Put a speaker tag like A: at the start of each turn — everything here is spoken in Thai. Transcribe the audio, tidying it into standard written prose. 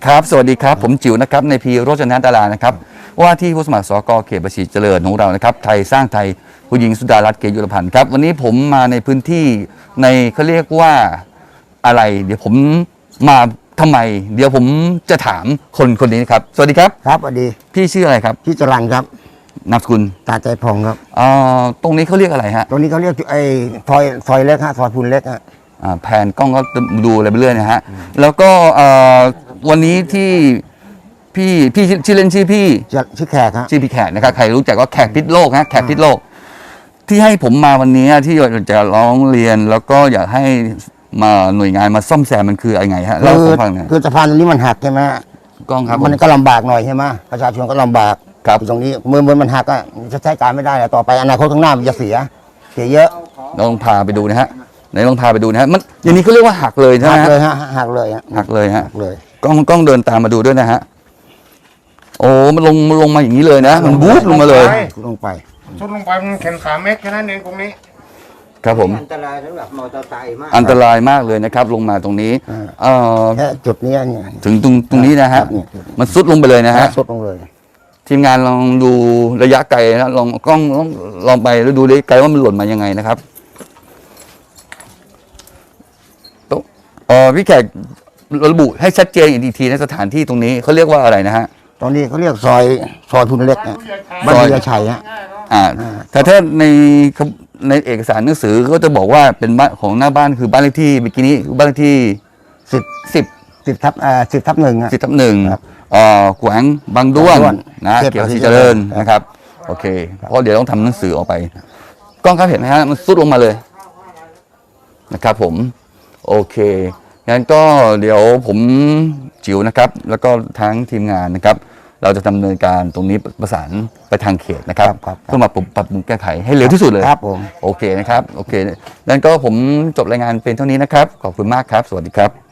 A: ครับสวัสดีครับผมจิ๋วนะครับในพีโรจนะดารานะครับว่าที่ผู้สมัครสกเขตบัญชีเจริญของเรานะครับไทยสร้างไทยผู้หญิงสุดารัตน์เกยุรพันธ์ครับวันนี้ผมมาในพื้นที่ในเขาเรียกว่าอะไรเดี๋ยวผมมาทำไมเดี๋ยวผมจะถามคนนี้ครับสวัสดีครับ
B: ครับสวัสดี
A: พี่ชื่ออะไรครับ
B: พี่จรัญครับ
A: นามสกุล
B: ตาใจพองครับ
A: ตรงนี้เขาเรียกอะไรฮะ
B: ตรงนี้เขาเรียกไอ้ซอยเล็กฮะซอยพูนเล็กฮะ
A: แผนกล้องก็ดูอะไรไปเรื่อยนะฮะแล้วก็วันนี้ที่พี่ชื่อเล่นชื่อพี่
B: ชื่อแขกฮะ
A: ชื่อพี่แขกนะครับใครรู้จักก็แขกพิษโลกฮะแขกพิษโลกที่ให้ผมมาวันนี้ที่จะร้องเรียนแล้วก็อยากให้มาหน่วยงานมาซ่อมแซมมันคืออะไรไงฮะเล่าให้ผมฟังหน่อย
B: คือสะพานตรงนี้มันหักใช่ไหม
A: กล้องครับ
B: มันก็ลำบากหน่อยใช่ไหมประชาชนก็ลำบาก
A: ครับ
B: ตรงนี้เมื่อมันหักก็จะใช้การไม่ได้แล้วต่อไปอนาคตข้างหน้ามันจะเสียเยอะ
A: ลองพาไปดูนะฮะไหนลองพาไปดูนะฮะมันอย่างนี้เขาเรียกว่าหักเลยใช่ไหม
B: หักเลยฮะหักเลยฮะ
A: หักเลยฮะ
B: เลย
A: กล้องเดินตามมาดูด้วยนะฮะโอ้มันลงมาอย่างนี้เลยนะมันบู๊ลงมาเลย
B: ลงไป
C: ชุดลงไปมันแค่3 เมตรแค่นั้นเองตรงนี้
A: ครับผม
B: อันตรายสำหรับมอเตอร์ไซค์มาก
A: อันตรายมากเลยนะครับลงมาตรงนี้
B: แค่จุดนี้เนี่ย
A: ถึงตรงนี้นะฮะมันซุดลงไปเลยนะฮะ
B: ซุดลงเลย
A: ทีมงานลองดูระยะไกลนะลองกล้องลองไปแล้วดูระยะไกลว่ามันหล่นมายังไงนะครับพี่แขกระบุให้ชัดเจนอีกทีในสถานที่ตรงนี้เขาเรียกว่าอะไรนะฮะ
B: ตรงนี้เขาเรียกซอยพูนเล็กบ้านเรือชัยฮะ
A: แต่ถ้าในเอกสารหนังสือก็จะบอกว่าเป็นบ้านของหน้าบ้านคือบ้านเลขที่เมื่อกี้นี้บ้านเลขที่10/1แขวงบางด้วงนะเกี่ยวกับเจริญนะครับโอเคเพราะเดี๋ยวต้องทำหนังสือออกไปกล้องครับเห็นไหมฮะมันซุดลงมาเลยนะครับผมโอเคงั้นก็เดี๋ยวผมจิ๋วนะครับแล้วก็ทั้งทีมงานนะครับเราจะดำเนินการตรงนี้ประสานไปทางเขตนะครับเพื่อมาปรับปรุงแก้ไขให้เร็วที่สุดเลย
B: ครับผม
A: โอเคนะครับโอเคงั้นก็ผมจบรายงานเป็นเท่านี้นะครับขอบคุณมากครับสวัสดีครับ